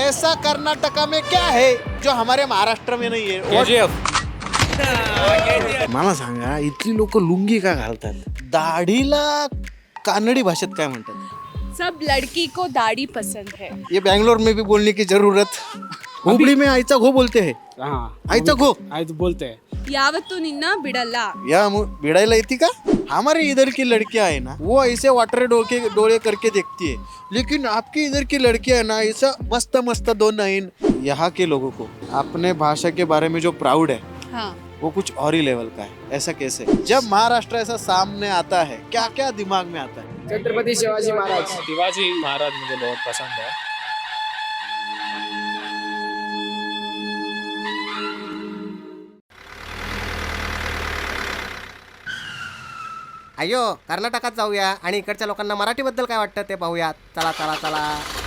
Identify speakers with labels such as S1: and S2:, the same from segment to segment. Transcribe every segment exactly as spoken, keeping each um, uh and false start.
S1: ऐसा कर्नाटका में क्या है जो हमारे महाराष्ट्र में नहीं है?
S2: केजीएफ.
S1: मला सांगा, इथली लोक लुंगी का घालतात? दाढीला कानडी भाषेत काय म्हणतात?
S3: सब लड़की को दाढ़ी पसंद है.
S1: ये बैंगलोर में भी बोलने की जरूरत. हुबली में आईचा घो बोलते हैं.
S2: हाँ
S1: आईचा घो
S2: आयत बोलते हैं.
S3: यावत्तू निन्ना बिडಲ್ಲ.
S1: या मु- भिड़ाइला येती का? हमारे इधर की लड़कियां है ना, वो ऐसे वाटर डोके डोले करके देखती है, लेकिन आपकी इधर की लड़कियां है ना, ऐसा मस्त मस्त दो नयन. यहाँ के लोगों को अपने भाषा के बारे में जो प्राउड है,
S3: हाँ.
S1: वो कुछ और ही लेवल का है. ऐसा कैसे? जब महाराष्ट्र ऐसा सामने आता है, क्या क्या दिमाग में आता है?
S2: छत्रपति शिवाजी महाराज. शिवाजी महाराज मुझे बहुत पसंद है.
S4: अयो कर्नाटकात जाऊया आणि इकडच्या लोकांना मराठीबद्दल काय वाटतं ते पाहूया. चला चला चला.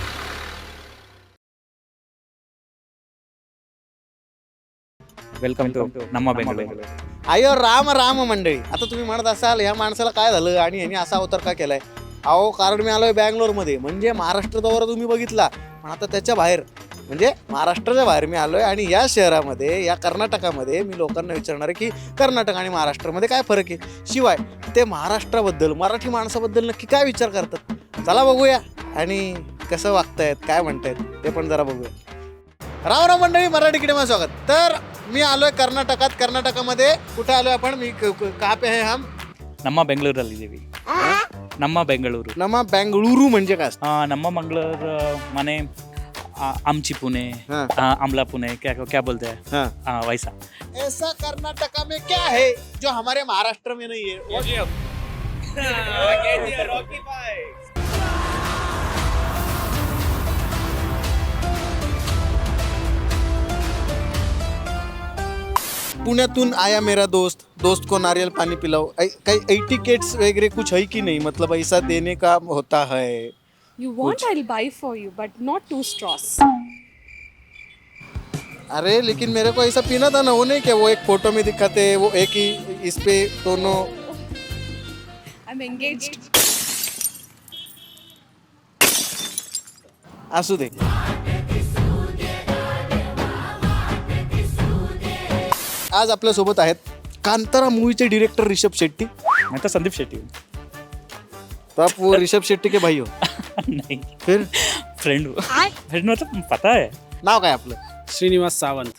S5: वेलकम टू नम्मा बेंगळूरू.
S1: अयो राम राम मंडळी. आता तुम्ही म्हणत असाल ह्या माणसाला काय झालं आणि ह्याने असा अवतार का केलाय? अहो, कारण मी आलोय बँगलोरमध्ये, म्हणजे महाराष्ट्र दौरा तुम्ही बघितला, पण आता त्याच्या बाहेर म्हणजे महाराष्ट्राच्या बाहेर मी आलोय. आणि या शहरामध्ये, या कर्नाटकामध्ये मी लोकांना विचारणार आहे की कर्नाटक आणि महाराष्ट्रामध्ये काय फरक आहे, शिवाय ते महाराष्ट्राबद्दल, मराठी माणसाबद्दल नक्की काय विचार करतात. चला बघूया आणि कसं वागतायत, काय म्हणतायत ते पण जरा बघूया. राम राम मंडळी, मराठी किडेमध्ये स्वागत. तर मी आलोय कर्नाटकात. कर्नाटकामध्ये कुठे आलोय आपण? मी कहाँ पे है हम?
S5: ನಮ್ಮ ಬೆಂಗಳೂರಲ್ಲಿದ್ದೀವಿ. ನಮ್ಮ ಬೆಂಗಳೂರು.
S1: नमा बेंगळुरू म्हणजे काय असतं?
S5: ಆ, ನಮ್ಮ ಮಂಗಳೂರು ಮನೆ ಆ, आमची पुणे
S1: हाँ.
S5: आ, आमला पुणे क्या क्या बोलते हैं
S1: हाँ.
S5: आ, वैसा.
S1: ऐसा कर्नाटका में क्या है जो हमारे महाराष्ट्र में नहीं है? पुण्यातून आया मेरा दोस्त, दोस्त को नारियल पानी पिलाओ. ऐ- काही एटिकेट्स वगैरह कुछ है कि नहीं? मतलब ऐसा देने का होता है?
S3: You want I'll buy for you, but not two straws.
S1: अरे लेकिन मेरे को ऐसा पीना था ना, वो नहीं क्या वो एक फोटो में दिखाते हैं, वो एक ही इस पे दोनों.
S3: I'm engaged.
S1: असू दे. आज आपल्या सोबत आहेत कांतारा मूवीचे डिरेक्टर ऋषभ शेट्टी.
S5: मैं तो संदीप शेट्टी हूँ.
S1: तो आप वो ऋषभ शेट्टी के भाई हो?
S5: नहीं,
S1: फिर
S5: फ्रेंड हूँ. फ्रेंड मतलब पता है.
S1: नाव काय आपलं?
S2: श्रीनिवास सावंत.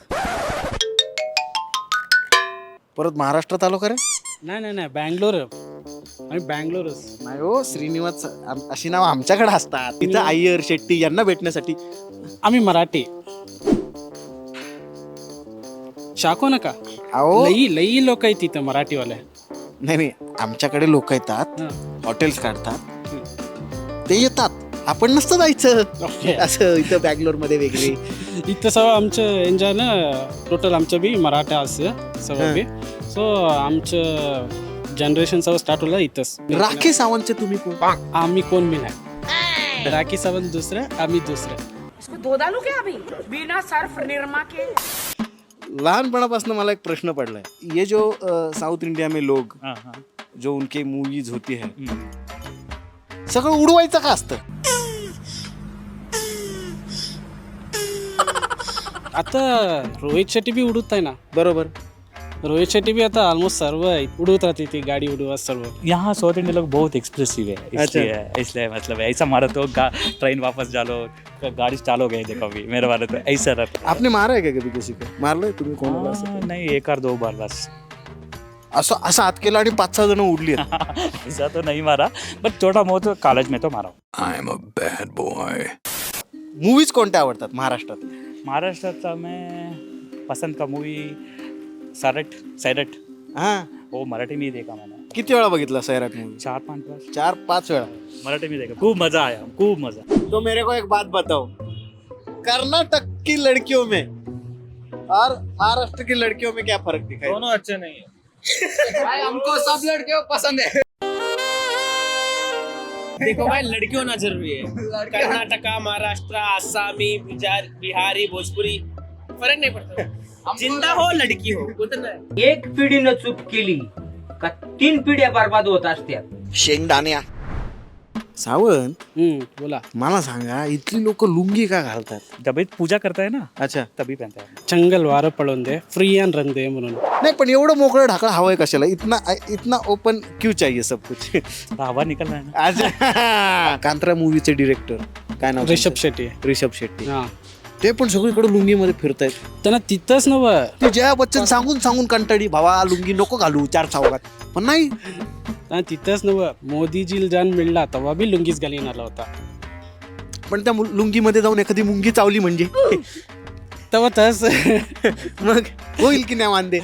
S1: परत महाराष्ट्रात आलो का रे?
S2: नाही नाही नाही बँगलोर. आम्ही बँगलोरच.
S1: नाही हो, श्रीनिवास आम- अशी नाव आमच्याकडे असतात. तिथं अय्यर शेट्टी यांना भेटण्यासाठी.
S2: आम्ही मराठी. शाको नका.
S1: अहो
S2: लई लई लोक आहेत तिथं मराठीवाले.
S1: नाही नाही, आमच्याकडे लोक येतात,
S2: हां.
S1: हॉटेल्स काढतात, ते येतात, आपण नसतं जायचं.
S2: ओके.
S1: असं इथं बँगलोर मध्ये वेगळे.
S2: इथं सगळं आमचं एन्जॉय ना टोटल आमचं बी मराठा असं सगळं बी. सो आमचं जनरेशन सगळं स्टार्ट होलं इथंच.
S1: राखी सावंतचे तुम्ही कोण?
S2: आम्ही कोण बी नाही. राखी सावंत दुसरं, आम्ही दुसरं.
S6: इसको धो डालू क्या अभी बिना सर्फ निरमा के?
S1: लहानपणापासून मला एक प्रश्न पडलाय. ये जो साउथ इंडिया में लोग
S5: हाँ हाँ.
S1: जो उनके मूवीज होती है,
S5: हम्म.
S1: सगळं उडवायचं का असतं?
S2: आता रोहित शेट्टी बी उडवत आहे ना.
S1: बरोबर.
S2: रोहित शेट्टी भी आता ऑलमोस्ट सर्व उड़त रहती थी गाड़ी उड़वा सर्व.
S5: यहाँ साउथ इंडिया लोग बहुत एक्सप्रेसिव है, इसलिए इसलिए मतलब ऐसा मारो तो ट्रेन वापस डालो, गाड़ी चालो गए देखो अभी मेरे वाले तो ऐसा रहता.
S1: आपने मारा है का कधी किसी को? मारलंय तुम्ही कोणाला असं?
S5: हाँ, नहीं एक और दो बार बस.
S1: असं असं हात केला आणि पाच सहा जण उडली.
S5: ऐसा तो नहीं मारा, बट छोटा बहुत कॉलेज में तो मारा हूँ.
S1: मूवीज कोणत्या आवडतात महाराष्ट्रात?
S5: महाराष्ट्र में पसंद का मूवी सैरट. सैरट
S1: हा,
S5: वो मराठी में ही देखा मैंने.
S1: किती वेळा बघितला सैराट मूवी?
S5: चार पांच बार
S1: चार पाच वेळा.
S5: मराठी में देखा, खूब मजा आया, खूब मजा.
S1: तो मेरे को एक बात बताओ, कर्नाटक की लड़कियों में और महाराष्ट्र की लड़कियों में क्या फर्क दिखाई?
S2: दोनों अच्छे नहीं है.
S6: भाई हमको सब लड़कियों पसंद है.
S7: देखो भाई, लड़कियों ना जरूरी है. कर्नाटका, महाराष्ट्र, आसामी, बिहार, बिहारी, भोजपुरी फर्क नहीं पड़ता. जिंदा हो लड़की हो उतना है.
S8: एक पिढीनं चूक केली का तीन पिढ्या बर्बाद होत असतात.
S1: शेंगदाण्या सावंत
S2: हम्म, बोला.
S1: मला सांगा इथली लोक लुंगी का घालतात?
S5: जब ये पूजा करता है ना
S1: अच्छा.
S5: तभी पहनता है.
S2: चंगल वारं पळून दे, फ्री अँड रन दे म्हणून.
S1: नाही पण एवढं मोकळं ढाकळं हवंय कशाला? इतना इतना ओपन क्यों चाहिए सब कुछ?
S5: हवा निकल रहा है ना.
S1: अच्छा. कांत्रा मूवीचे डिरेक्टर काय नाव
S2: रिषभ
S1: त्यांचं?
S2: शेट्टी.
S1: रिषभ शेट्टी.
S2: हा,
S1: ते पण सगळीकडे लुंगीमध्ये फिरतायत.
S2: त्यांना तिथंच नव.
S1: ते जया बच्चन सांगून सांगून कंटाळी, भावा लुंगी नको घालू चार चौकात, पण नाही.
S2: त्यांना तिथंच नव. मोदीजी जान मिळला तेव्हा बी लुंगीच घालीन आला होता.
S1: पण त्या मु- लुंगीमध्ये जाऊन एखादी मुंगी चावली म्हणजे
S2: तेव्हा तस
S1: मग होईल की नाही वांदे.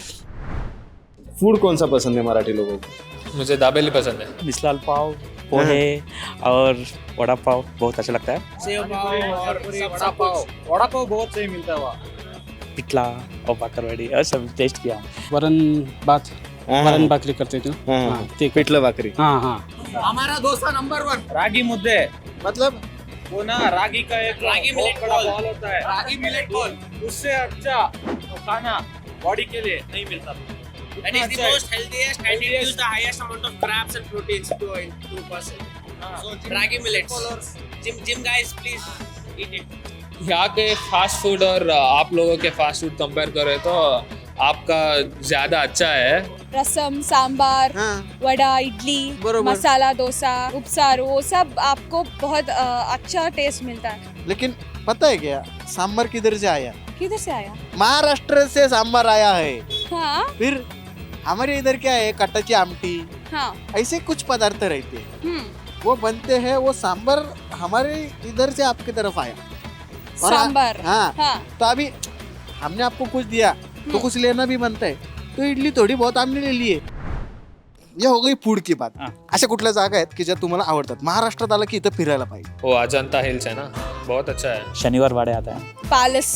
S1: फूड कौन सा पसंद है मराठी लोगों को?
S8: मुझे दाबेली पसंद है.
S5: मिसलाल पाव, पोहे और वड़ा पाव बहुत अच्छा लगता है.
S7: सेव पाव और सब पाव.
S8: वड़ा पाव बहुत सही मिलता है वहाँ.
S5: पिठला और बाकरवाड़ी और सब टेस्ट किया.
S2: वरण भात, वरण भाकरी करते तू.
S1: हाँ,
S2: हा, ते
S1: पिठलं भाकरी.
S2: हा हा.
S7: हमारा डोसा नंबर वन.
S8: रागी मुद्दे.
S1: मतलब
S8: वो ना रागी का एक
S7: रागी
S8: बहुत
S7: मिलेट
S8: बड़ा
S7: बॉल.
S8: बॉल होता है.
S7: Ragi millet ball.
S8: उससे अच्छा खाना बॉडी के लिए नहीं मिलता.
S7: That is the most healthiest and it gives the highest amount of carbs and proteins to a to a person. So ragi millets. Gym gym guys, please eat it.
S8: यहाँ के fast food और आप लोगों के fast food compare करें तो आपका ज्यादा अच्छा है.
S3: रसम, सांबार,
S1: हाँ.
S3: वड़ा, इडली,
S1: बरोबर.
S3: मसाला डोसा, उपसार, वो सब आपको बहुत अ, अच्छा टेस्ट मिलता है.
S1: लेकिन पता है क्या, सांबर किधर से आया?
S3: किधर से आया?
S1: महाराष्ट्र से सांबर आया है.
S3: हाँ
S1: फिर हमारे इधर क्या है, कट्टाची आमटी,
S3: हाँ.
S1: ऐसे कुछ पदार्थ रहते हैं,
S3: हम्म.
S1: वो बनते हैं. वो सांबर हमारे इधर से आपकी तरफ आया. और आ-
S3: सांबर.
S1: हाँ.
S3: हाँ.
S1: तो अभी हमने आपको कुछ दिया तो कुछ लेना भी बनता है. तो इडली थोडी बहुत हमने ले ली है. ये हो गई फूड की बात.
S5: हाँ.
S1: अशा कुठल्या जागा आहेत की ज्या तुम्हाला आवडतात? महाराष्ट्रात आलं की इथं फिरायला पाहिजे.
S8: वो अजंता हिल्स है ना, बहुत अच्छा है.
S5: शनिवार वाड़े आता है.
S3: Palace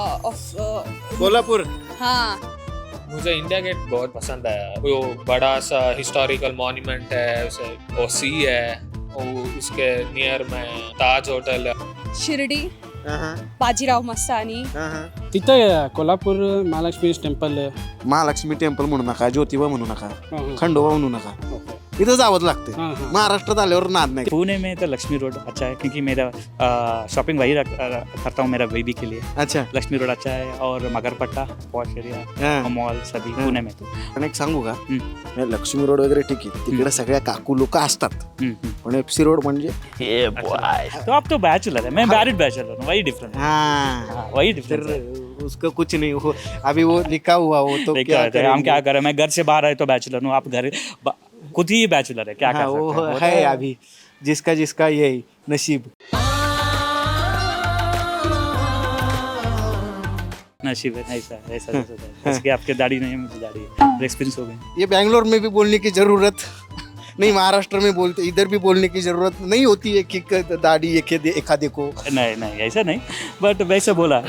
S3: of.
S1: कोल्हापूर.
S3: हाँ.
S8: मुझे इंडिया गेट बहुत पसंद है. वो बड़ा सा हिस्टोरिकल मॉन्यूमेंट है, उसे वो सी है, वो उसके नियर में ताज होटल है.
S3: शिर्डी,
S1: हाँ,
S3: बाजीराव मस्तानी.
S1: हाँ, हाँ.
S2: तिथं कोल्हापूर महालक्ष्मी टेम्पल.
S1: महालक्ष्मी टेम्पल म्हणू नका, ज्योतिबा म्हणू नका,
S2: हा, हा.
S1: खंडोबा म्हणू नका. इथं जावंच लागते.
S2: हाँ, हाँ.
S1: महाराष्ट्रात आल्यावर नाद नाही.
S5: पुणे में तो लक्ष्मी रोड अच्छा है क्योंकि मेरा शॉपिंग वही रख- अ, करता हूँ मेरा बेबी के लिए.
S1: अच्छा.
S5: लक्ष्मी रोड अच्छा है और मगरपट्टा पॉश एरिया
S1: हा.
S5: मॉल सभी
S1: हाँ.
S5: पुणे में तो.
S1: पण एक सांगू का,
S5: हम्म.
S1: हे लक्ष्मी रोड वगैरे ठीक आहे, तिकडे सगळ्या काकू लोक असतात.
S5: हम्म, हम्म.
S1: पण एफसी रोड म्हणजे
S5: तो आप तो बैचलर है, मैं मैरिड बैचलर हूँ, वही डिफरेंस है.
S1: हाँ.
S5: हाँ, वही
S1: फिर
S5: डिफरेंस है.
S1: उसका कुछ नहीं हो, अभी वो लिखा हुआ हो तो
S5: देखिए,
S1: क्या
S5: हम
S1: करेंगे?
S5: क्या करें, मैं घर से बाहर आए तो बैचलर हूँ, आप घर ब- खुद ही बैचलर है, क्या
S1: हाँ,
S5: कर
S1: वो
S5: सकते हैं. वो
S1: है
S5: तो-
S1: अभी जिसका जिसका यही नसीब.
S5: नसीब है ऐसा ऐसा ऐसा ऐसा है. जैसे कि आपके दाढ़ी नहीं है, मुझे दाढ़ी है, एक्सपीरियंस हो गई.
S1: ये बैंगलोर में भी बोलने की जरूरत नहीं, महाराष्ट्र में बोलते, इधर भी बोलने की जरूरत नहीं होती है कि क- दाढ़ी एक एखादे को.
S5: नहीं नहीं ऐसा नहीं, बट वैसे बोला.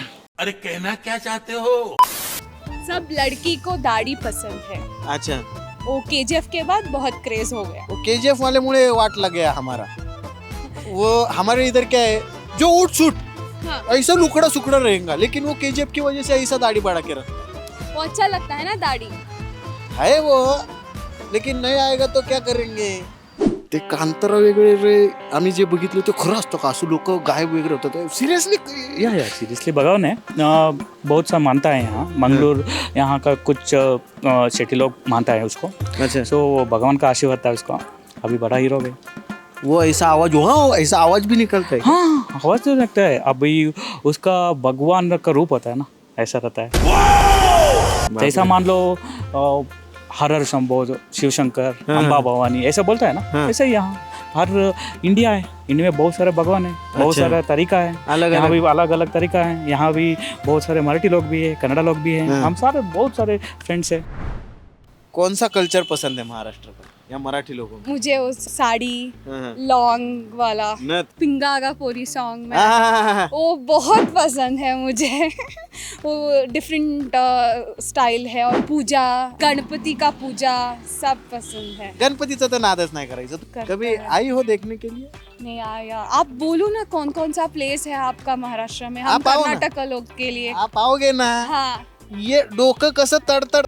S3: सब लड़की को दाढ़ी पसंद है.
S1: अच्छा.
S3: वो केजीएफ के बाद बहुत क्रेज हो गया.
S1: वो केजीएफ वाले मुझे वाट लग गया हमारा. वो हमारे इधर क्या है, जो उठ सूट
S3: हाँ.
S1: ऐसा लुकड़ा सुकड़ा रहेगा, लेकिन वो केजीएफ की वजह से ऐसा दाढ़ी बढ़ा के रखा
S3: वो अच्छा लगता है ना दाढ़ी.
S1: है वो. लेकिन नहीं आएगा तो क्या करेंगे. ते कांतारा वगैरे रे आम्ही जे बघितलं ते खरं असतं का, असं लोक गायब वगैरे होतात सिरियसली?
S5: या या सीरियसली भगवान है. अ, बहुत सा मानता है यहाँ मंगलोर, यहाँ का कुछ अ, शेट्टी लोग मानता है उसको.
S1: अच्छा.
S5: सो भगवान का आशीर्वाद था उसका, अभी बड़ा हीरो है.
S1: वो ऐसा आवाज हो, हाँ ऐसा आवाज भी निकलता है.
S5: हाँ आवाज तो लगता है, अभी उसका भगवान का रूप होता है ना, ऐसा रहता है. जैसा मान लो अ, हर हर शंभो, शिव शंकर,
S1: हाँ.
S5: अम्बा भवानी ऐसा बोलता है ना,
S1: हाँ.
S5: ऐसा ही यहाँ हर इंडिया है, इंडिया में बहुत सारे भगवान है, बहुत
S1: अच्छा.
S5: सारा तरीका है.
S1: अलग
S5: यहाँ
S1: अलग.
S5: भी अलग अलग तरीका है. यहाँ भी बहुत सारे मराठी लोग भी है, कन्नड़ा लोग भी हैं.
S1: हाँ.
S5: हम सारे बहुत सारे फ्रेंड्स हैं.
S1: कौन सा कल्चर पसंद है महाराष्ट्र का या मराठी लोगों को?
S3: मुझे वो साड़ी,
S1: हाँ.
S3: लॉन्ग वाला,
S1: नथ.
S3: पिंगा का पूरी सॉन्ग में
S1: हाँ.
S3: वो बहुत पसंद है मुझे. वो डिफरेंट स्टाइल है. और पूजा, गणपति का पूजा सब पसंद है.
S1: गणपतीचा तर नादच नाही करायचं.
S3: करता
S1: कभी
S3: है.
S1: आई हो देखने के लिए?
S3: नहीं आया. आप बोलो ना कौन कौन सा प्लेस है आपका महाराष्ट्र में. हम
S1: आप आओ ना.
S3: कर्नाटक लोग के लिए.
S1: आप आओगे ना,
S3: हाँ.
S1: ये डोकं कसं तडतड,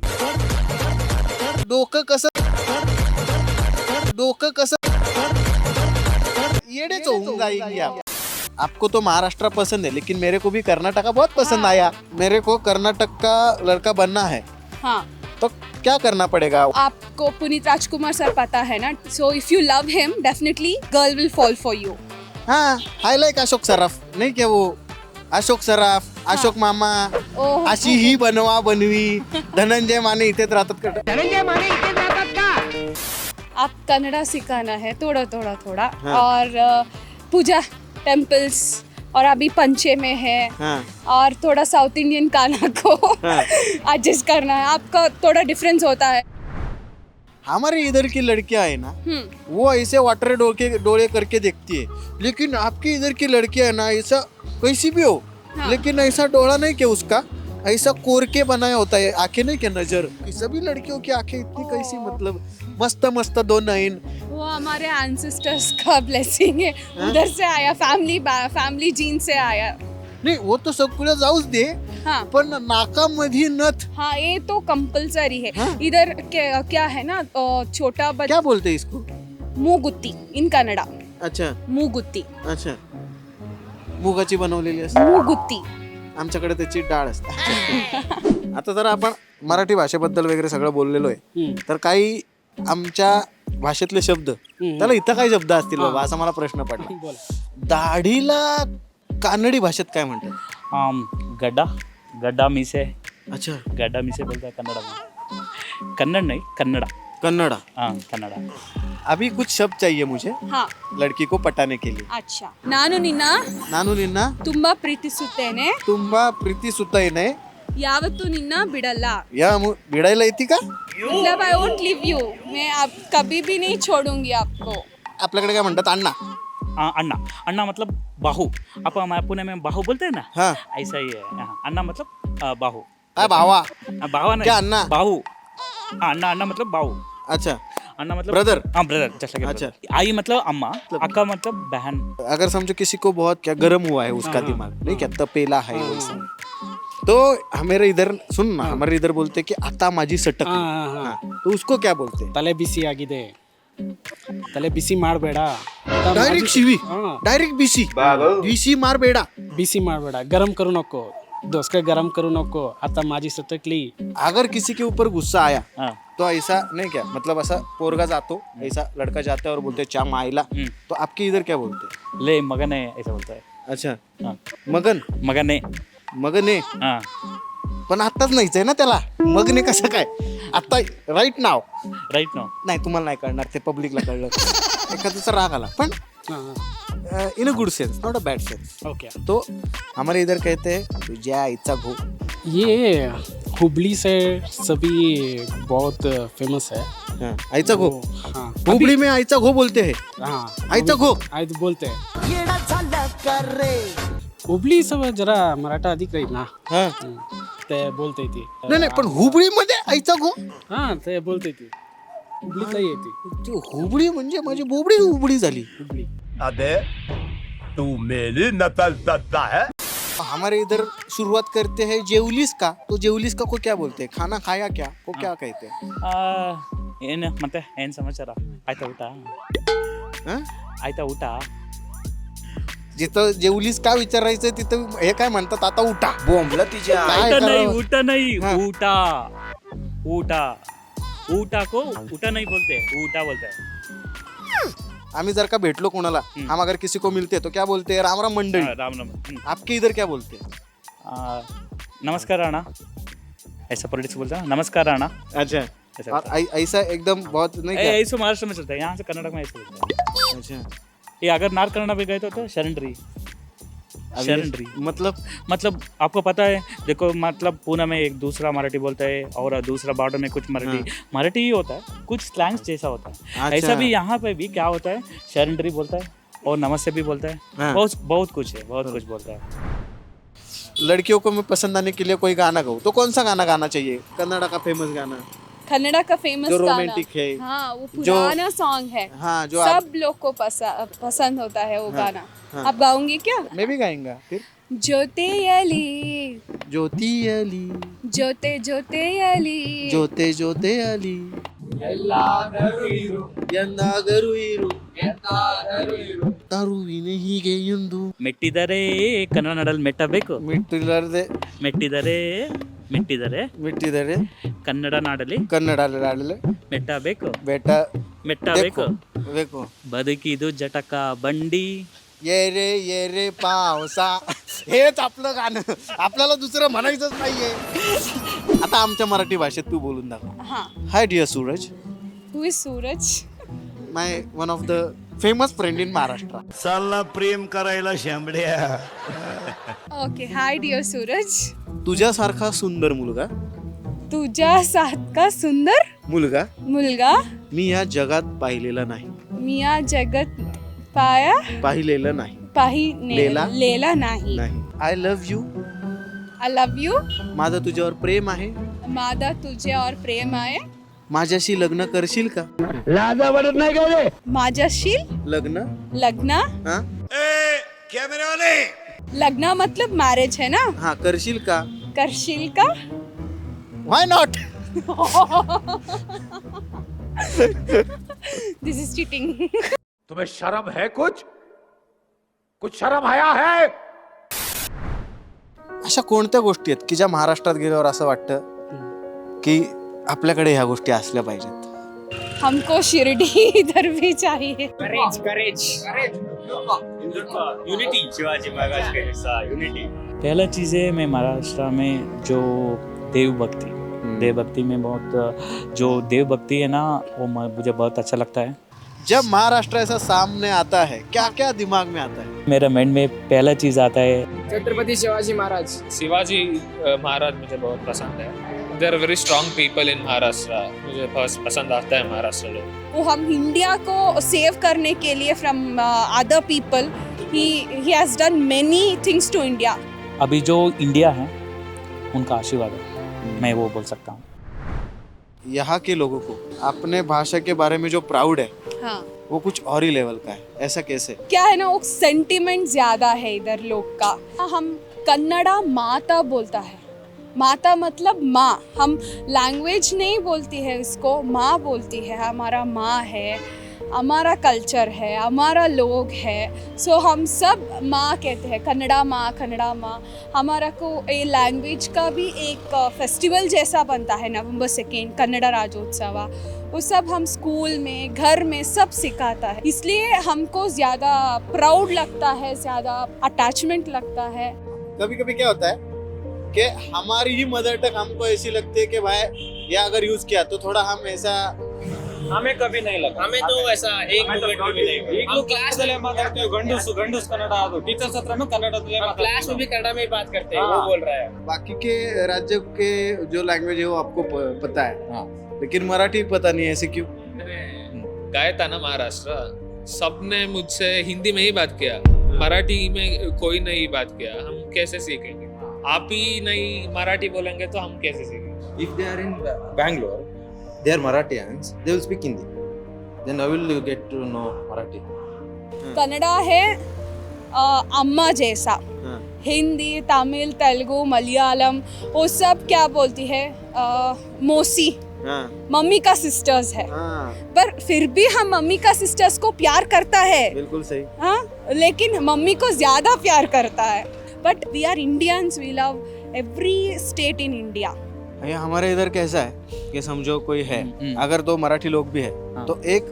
S1: डोकं कसं डोकं कसं येड़े होऊन जाएंगे आप। आपको तो महाराष्ट्र पसंद है लेकिन मेरे को भी कर्नाटका बहुत पसंद आया। मेरे को कर्नाटक का लड़का बनना है
S3: हाँ
S1: तो क्या करना पड़ेगा?
S3: आपको पुनीत राजकुमार सर पता है ना, so if you love him definitely girl will fall for you.
S1: हाँ आई लाइक अशोक सराफ, नहीं क्या वो अशोक सराफ, अशोक मामा,
S3: ओह
S1: अशी ही बनवा बनवी, धनंजय माने इथेच राहतात का?
S3: आप कन्नड़ा सिखाना है थोड़ा थोड़ा थोड़ा
S1: हाँ।
S3: और अ, पूजा टेम्पल्स और अभी पंचे में है
S1: हाँ
S3: और थोड़ा साउथ इंडियन खाना को
S1: हाँ।
S3: एडजस्ट करना है, आपका थोड़ा डिफरेंस होता है।
S1: हमारे इधर की लड़कियां है ना
S3: हम्म
S1: वो ऐसे वाटर डोके डोले करके देखती है, लेकिन आपकी इधर की लड़कियां है ना ऐसा कैसी भी हो
S3: हाँ।
S1: लेकिन ऐसा डोला नहीं क्या उसका, ऐसा कोर के बनाया होता है, आंखें नहीं क्या नजर, सभी लड़कियों की आंखें इतनी कैसी, मतलब मस्त मस्त दो नयन।
S3: वो हमारे एंसेस्टर्स का ब्लेसिंग है, उधर से आया, फैमिली फैमिली जीन से आया।
S1: नाही वो तो सगळं जाऊच दे,
S3: हाँ
S1: पण नाकामध्ये नथ
S3: हाँ ये तो कंपलसरी है।
S1: हाँ?
S3: इधर क्या, क्या है ना अ, छोटा बच्चा
S1: क्या बोलते हैं इसको?
S3: मुगुत्ती इन कन्नडा,
S1: अच्छा
S3: मुगुत्ती
S1: अच्छा, मुगाची बनवलेली असते,
S3: मुगुत्ती
S1: आमच्याकडे त्याची डाळ असते। आता जर आपण मराठी भाषेबद्दल वगैरे सगळं बोललेलो आहे,
S2: हम्म.
S1: तर काही आमच्या भाषेतले शब्द त्याला इथं काय शब्द असतील बाबा असा मला प्रश्न पडला।
S2: बोल.
S1: दाढीला कानडी भाषेत काय म्हणतात?
S5: आम गड्ढा गड्ढा मीसे
S1: अच्छा
S5: गड्ढा मीसे बोलता है कन्नड़ा में। कन्नड़ नहीं कन्नड़ा।
S1: कन्नड़ा।
S5: हाँ कन्नड़ा।
S1: अभी कुछ शब्द चाहिए मुझे
S3: हाँ
S1: लड़की को पटाने के लिए।
S3: अच्छा ನಾನು ನಿನ್ನ
S1: ನಾನು ನಿನ್ನ
S3: ತುಂಬಾ ಪ್ರೀತಿಸುತ್ತೇನೆ,
S1: ತುಂಬಾ ಪ್ರೀತಿಸುತ್ತೇನೆ,
S3: ಯಾವತ್ತೂ ನಿನ್ನ ಬಿಡಲ್ಲ।
S1: या मु- भिडायला येते का?
S3: मतलब आई वोंट लीव यू, मैं आप कभी भी नहीं छोड़ूंगी आपको।
S1: आपल्याकडे काय म्हणतात अण्णा?
S5: हाँ अन्ना अन्ना मतलब बाहू। आप हमारे पुणे में बाहू बोलते हैं ना,
S1: हाँ
S5: ऐसा ही है यहाँ। अन्ना मतलब अ, बाहू।
S1: काय भावा?
S5: हाँ, बावा नहीं
S1: क्या अन्ना?
S5: बाहू। हाँ अन्ना अन्ना मतलब बाहू।
S1: अच्छा
S5: अन्ना मतलब
S1: Brother?
S5: हाँ ब्रदर जैसा कि
S1: अच्छा।
S5: brother। आई मतलब अम्मा, अक्का मतलब बहन।
S1: अगर समझो किसी को बहुत क्या गर्म हुआ है उसका
S2: हाँ,
S1: दिमाग, नहीं क्या तपेला है
S2: हाँ,
S1: वैसा, तो हमारे इधर सुन ना, हमारे इधर बोलते हैं कि आता माझी सटक,
S2: हाँ, हाँ, हाँ।
S1: हाँ, तो उसको क्या बोलते हैं?
S2: ತಲೆ ಬಿಸಿ ಆಗಿದೆ, ತಲೆ ಬಿಸಿ ಮಾಡಬೇಡ,
S1: डायरेक्ट शिवी,
S2: हाँ
S1: डायरेक्ट बीसी बीसी मार बेड़ा।
S2: बिसी ಮಾಡಬೇಡ, गरम करू नको, दोस्त गरम करू नको, आता माझी सटकली।
S1: अगर किसी के ऊपर गुस्सा आया
S5: हाँ
S1: तो ऐसा नहीं क्या, मतलब ऐसा पोरगा जातो, ऐसा लड़का जाता है और बोलते हैं चा माइला,
S5: हम्म।
S1: तो आपके इधर क्या बोलते हैं?
S5: ले मगन है ऐसा बोलता है।
S1: अच्छा
S5: हाँ
S1: मगन,
S5: मगन है।
S1: मगने,
S5: हाँ
S1: पण आत्ताच नाहीच आहे ना त्याला, मगने कसं काय आता राईट नाव
S5: राइट नो।
S1: नाही, तुम्हाला नाही कळणार, ते पब्लिकला कळलं एखाद्याचा राग आला, पण
S2: हाँ
S1: in a good sense, not a bad sense.
S2: Okay.
S1: तो हमारे इधर कहते हैं तुझ्या आईचा घो।
S2: ये हुबली से सभी बहुत फेमस है।
S1: हाँ, आईचा घो,
S2: हाँ
S1: हुबली में आईचा घो बोलते हैं।
S2: हाँ
S1: आईचा घो
S2: आई तो बोलते हैं। हुबली सब जरा मराठा अधिक रही ना,
S1: हाँ
S2: हम्म, ते बोलते ती।
S1: नाही नाही, पण हुबळीमध्ये आईचा घो,
S2: हाँ ते बोलते ती, हुबलीतला येते
S1: ती हुबळी म्हणजे माझी बोबडी हुबळी झाली।
S2: हुबली।
S9: अबे तू मेरी नकल करता है।
S1: हमारे इधर शुरुआत करते हैं जेवलीस का, तो जेवलीस का को क्या बोलते हैं? खाना खाया क्या को क्या कहते हैं?
S5: ಏನು ಮತ್ತೆ ಏನು ಸಮಾಚಾರ? ಆಯ್ತಾ ಊಟ?
S1: हाँ?
S5: ಆಯ್ತಾ ಊಟ?
S1: जिथं जेवलीस का विचारायचं तिथं हे काय म्हणतात, आता उठा बोंबला तिच्या काय
S5: ಊಟ नहीं
S1: करावं?
S5: ಊಟ नहीं
S1: हाँ।
S5: ಊಟ ಊಟ ಊಟ को ಊಟ नहीं बोलते, ಊಟ बोलते हैं।
S1: आम्ही जर का भेटलो कोणाला, हम अगर किसी को मिलते तो क्या बोलते हैं? राम राम मंडळी।
S5: हाँ, राम राम। हम्म।
S1: आपके इधर क्या बोलते हैं?
S5: आ, नमस्कार राणा ऐसा पॉलिटिक्स बोलते हैं ना, नमस्कार राणा
S1: अच्छा,
S5: ऐसा
S1: और
S5: बोलते हैं।
S1: ऐ- ऐसा एकदम बहुत नहीं
S5: ए,
S1: क्या?
S5: ऐसे महाराष्ट्र में चलता है, यहाँ से कर्नाटक में ऐसे बोलते हैं।
S1: अच्छा
S5: ये अगर नॉर्थ कर्नाटक में गए तो, तो शरणरी
S1: अब ये-
S5: शरणरी
S1: मतलब
S5: मतलब आपको पता है, देखो मतलब पूना में एक दूसरा मराठी बोलता है और दूसरा बॉर्डर में कुछ मराठी मराठी ही होता है, कुछ स्लैंग्स जैसा होता है।
S1: अच्छा।
S5: ऐसा भी यहाँ पे भी क्या होता है, शरणरी बोलता है और नमस्ते भी बोलता है।
S1: हाँ।
S5: बहुत बहुत कुछ है, बहुत कुछ बोलता है।
S1: लड़कियों को मैं पसंद आने के लिए कोई गाना गाऊं तो कौन सा गाना गाना चाहिए? कन्नड़ा का फेमस गाना
S3: कन्नड़ा का फेमस
S1: जो
S3: गाना,
S1: रोमांटिक है।
S3: हाँ वो
S1: जो-
S3: पुराना सॉन्ग है,
S1: हाँ जो आप,
S3: सब लोग को पसा, पसंद होता है वो
S1: हाँ,
S3: गाना।
S1: हाँ।
S3: आप गाओगे क्या?
S1: मैं भी गाएंगा फिर।
S3: ಜೊತೆಯಲಿ
S1: ज्योति अली
S3: ಜೊತೆ ಜೊತೆಯಲಿ
S1: ಜೊತೆ ಜೊತೆ ಅಲಿ ಎಂದಾದರೂ ಇರು ಮಾತಾಡುವಿನಿ ಹೀಗೆ ಎಂದು
S5: ಮೆಟ್ಟಿದರೆ ಕನ್ನಡದಲ್ಲಿ ಮೆಟ್ಟಬೇಕು
S1: ಮಿಟ್ಟಿಲ್ಲದೆ
S5: ಮೆಟ್ಟಿದರೆ ಮೆಟ್ಟಿದರೆ
S1: ಮಿಟ್ಟಿದರೆ
S5: ಕನ್ನಡ ನಾಡಲಿ
S1: ಕನ್ನಡ ಆಡಲೆ
S5: ಮೆಟ್ಟಬೇಕು
S1: बेट
S5: ಮೆಟ್ಟಬೇಕು
S1: ಬೇಕು
S5: ಬದುಕಿದು ಜಟಕ ಬಂಡಿ
S1: ये रे ये रे पावसा हेच आपलं गाणं आपल्याला दुसरं म्हणायचंच नाहीये. आता आमच्या मराठी भाषेत तू बोलून दाखव.
S3: हाँ.
S1: Hi dear Suraj,
S3: who is Suraj?
S1: My one of the famous friend in Maharashtra.
S9: चालला प्रेम करायला शांबड्या.
S3: ओके, हाय डिअर सूरज.
S1: तुझ्यासारखा सुंदर मुलगा
S3: तुझ्या सारखा सुंदर
S1: मुलगा
S3: मुलगा
S1: मी या जगात पाहिलेला नाही
S3: मी या जगत पाया
S1: पाहिलेलं नाही
S3: पाही
S1: लेला?
S3: लेला नाही.
S1: नाही. I love you,
S3: I love you.
S1: माझं तुझ्यावर प्रेम आहे.
S3: माझा तुझ्यावर प्रेम आहे.
S1: माझ्याशी लग्न करशील का?
S9: लाजा वाटत नाही का रे?
S3: माझ्याशी
S1: लग्न
S3: लग्न.
S1: हा
S9: कॅमेरा वाले
S3: लग्न मतलब मैरिज है ना.
S1: हा करशील का?
S3: करशील का?
S1: Why not.
S3: This is cheating.
S9: तुम्हें शर्म है कुछ कुछ शर्म आया है?
S1: अशा कोणत्या गोष्टी आहेत की ज्या महाराष्ट्रात गेल्यावर असं वाटतं की आपल्याकडे ह्या गोष्टी असल्या पाहिजेत?
S3: हमको शिरडी इधर भी चाहिए.
S7: करेज करेज यूनिटी शिवाजी महाराज के जैसा यूनिटी.
S5: पहला चीज़ है मैं महाराष्ट्र में जो देव भक्ति देव भक्ति में बहुत जो देव भक्ति है ना वो मुझे बहुत अच्छा लगता है.
S1: जब महाराष्ट्र ऐसा सामने आता है क्या क्या दिमाग में आता है?
S5: मेरा माइंड में पहला चीज़ आता है
S7: छत्रपति शिवाजी महाराज. शिवाजी अ, महाराज मुझे बहुत पसंद है. There are very strong people in Maharashtra. मुझे बहुत पसंद आता है महाराष्ट्र लोग.
S3: वो हम इंडिया को सेव करने के लिए from other people he he has done many things to India.
S5: अभी जो इंडिया है उनका आशीर्वाद है मैं वो बोल सकता हूँ.
S1: यहाँ के लोगों को अपने भाषा के बारे में जो प्राउड है
S3: हाँ.
S1: वो कुछ और ही लेवल का है. ऐसा कैसे?
S3: क्या है ना वो सेंटिमेंट ज्यादा है इधर लोग का. हम कन्नड़ा माता बोलता है. माता मतलब माँ. हम लैंग्वेज नहीं बोलती है इसको, माँ बोलती है. हमारा माँ है, हमारा कल्चर है, हमारा लोग है. सो हम सब माँ कहते हैं. कन्नड़ा माँ, कन्नड़ा माँ. हमारा को ये लैंग्वेज का भी एक फेस्टिवल जैसा बनता है नवंबर सेकेंड, कन्नड़ा राज्योत्सव. वो सब हम स्कूल में घर में सब सिखाता है. इसलिए हमको ज़्यादा प्राउड लगता है, ज़्यादा अटैचमेंट लगता है.
S1: कभी कभी क्या होता है कि हमारी ही मदर टंग हमको ऐसी लगती है कि भाई ये अगर यूज किया तो थोड़ा हम ऐसा.
S7: हमें कभी नहीं लगा. हमें तो ऐसा एक मोमेंट भी नहीं. हम क्लास में माताಡ್ತೀವಿ ಗಂಡಸು ಗಂಡಸು ಕನ್ನಡ ಅದು ಟೀಚರ್ಸ್ ಹತ್ರನೂ ಕನ್ನಡದಲ್ಲೇ ಮಾತಾಡ್ತೀವಿ. क्लास में भी कन्नड़ में ही बात करते हैं. वो बोल रहा है.
S1: बाकी के राज्य के जो लैंग्वेज है वो आपको प- पता है लेकिन मराठी पता नहीं है. ऐसे क्यों?
S8: गया था ना महाराष्ट्र, सबने मुझसे हिंदी में ही बात किया. मराठी में कोई नहीं बात किया. हम कैसे सीखेंगे? आप ही नहीं मराठी बोलेंगे तो हम कैसे सीखेंगे?
S10: If they are in Bangalore, they are Marathis. They will speak Hindi. Then I will get to know Marathi.
S3: Kannada है अ, अम्मा जैसा.
S1: हाँ.
S3: हिंदी, तमिल, तेलुगु, मलयालम वो सब क्या बोलती है अ, मौसी.
S1: हाँ.
S3: मम्मी का सिस्टर्स है.
S1: हाँ.
S3: पर फिर भी हम मम्मी का सिस्टर्स को प्यार करता है.
S1: बिल्कुल सही.
S3: हाँ, लेकिन मम्मी को ज्यादा प्यार करता है. But we are Indians. We love every state in India.
S1: भैया हमारे इधर कैसा है कि समझो कोई है,
S5: हम्म.
S1: अगर दो मराठी लोग भी है
S5: हाँ.
S1: तो एक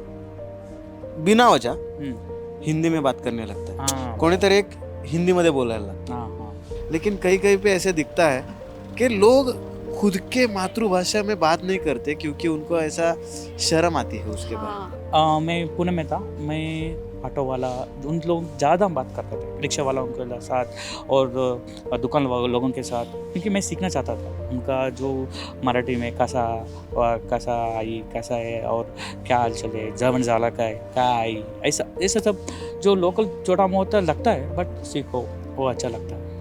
S1: बिना वजह
S5: हम्म.
S1: हिंदी में बात करने लगता है.
S5: हाँ
S1: कोणीतरी एक हिंदी मध्ये बोलायला लगता
S5: हाँ हाँ
S1: है. लेकिन कहीं कहीं पे ऐसे दिखता है कि लोग खुद के मातृभाषा में बात नहीं करते क्योंकि उनको ऐसा शर्म आती है उसके बाद.
S3: हाँ.
S5: आ, मैं पुणे में था. मैं ऑटो वाला उन लोग ज़्यादा बात करते थे, रिक्शा वालों के साथ और अ, दुकान वाले लोगों के साथ, क्योंकि मैं सीखना चाहता था उनका जो मराठी में कैसा और कैसा आई कैसा है और क्या हाल चले जवन झाला का है क्या आई ऐसा ऐसा सब जो लोकल छोटा मोटा लगता है बट सीखो वो अच्छा लगता है.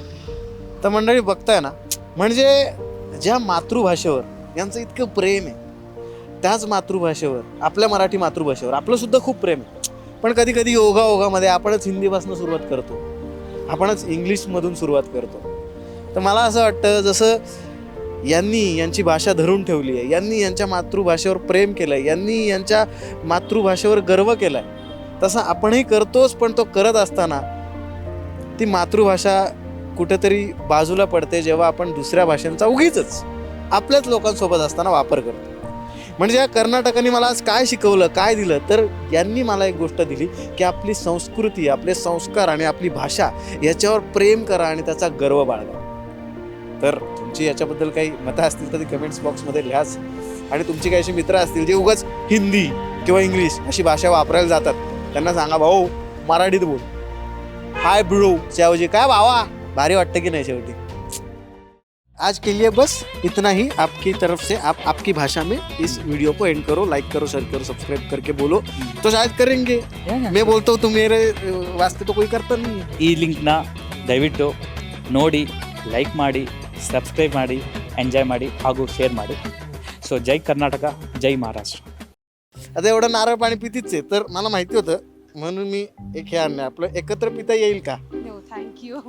S1: तर मंडळी बघताय ना, म्हणजे ज्या मातृभाषेवर यांचं इतकं प्रेम आहे त्याच मातृभाषेवर आपल्या मराठी मातृभाषेवर आपलं सुद्धा खूप प्रेम आहे. पण कधी कधी योगा ओघामध्ये आपणच हिंदीपासून सुरुवात करतो, आपणच इंग्लिशमधून सुरुवात करतो. तर मला असं वाटतं जसं यांनी यांची भाषा धरून ठेवली आहे, यांनी यांच्या मातृभाषेवर प्रेम केलं आहे, यांनी यांच्या मातृभाषेवर गर्व केला आहे, तसं आपणही करतोच, पण तो करत असताना ती मातृभाषा कुठेतरी बाजूला पडते जेव्हा आपण दुसऱ्या भाषांचा उगीच आपल्याच लोकांसोबत असताना वापर करतो. म्हणजे या कर्नाटकांनी मला आज काय शिकवलं, काय दिलं, तर यांनी मला एक गोष्ट दिली की आपली संस्कृती, आपले संस्कार आणि आपली भाषा याच्यावर प्रेम करा आणि त्याचा गर्व बाळगा. तर तुमची याच्याबद्दल काही मतं असतील तर ती कमेंट्स बॉक्समध्ये लिहाच. आणि तुमची काही अशी मित्र असतील जे उगाच हिंदी किंवा इंग्लिश अशी भाषा वापरायला जातात, त्यांना सांगा भाऊ मराठीत बोल, हाय ब्रो ऐवजी काय भावा, भारी वाटतं की नाही शेवटी. आज के लिए बस इतना ही. आपकी तरफ से आप आपकी भाषा में इस वीडियो को एंड करो, लाइक करो, शेयर करो, सब्सक्राइब करके बोलो तो शायद करेंगे. मैं बोलता हूँ तो मेरे वास्ते तो कोई करता नहीं है.
S5: ಈ ಲಿಂಕ್ನ ದಯವಿಟ್ಟು ನೋಡಿ, ಲೈಕ್ ಮಾಡಿ, ಸಬ್ಸ್ಕ್ರೈಬ್ ಮಾಡಿ, ಎಂಜಾಯ್ ಮಾಡಿ ಹಾಗೂ ಶೇರ್ ಮಾಡಿ. ಸೊ ಜೈ ಕರ್ನಾಟಕ, ಜೈ ಮಹಾರಾಷ್ಟ್ರ.
S1: आता एवढं नारळ पाणी पितीच आहे, तर मला माहिती होतं म्हणून मी एक हे आणलं. आपलं एकत्र पिता येईल का?
S3: No, thank you.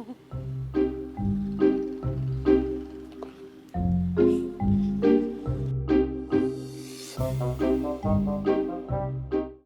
S1: Thank you.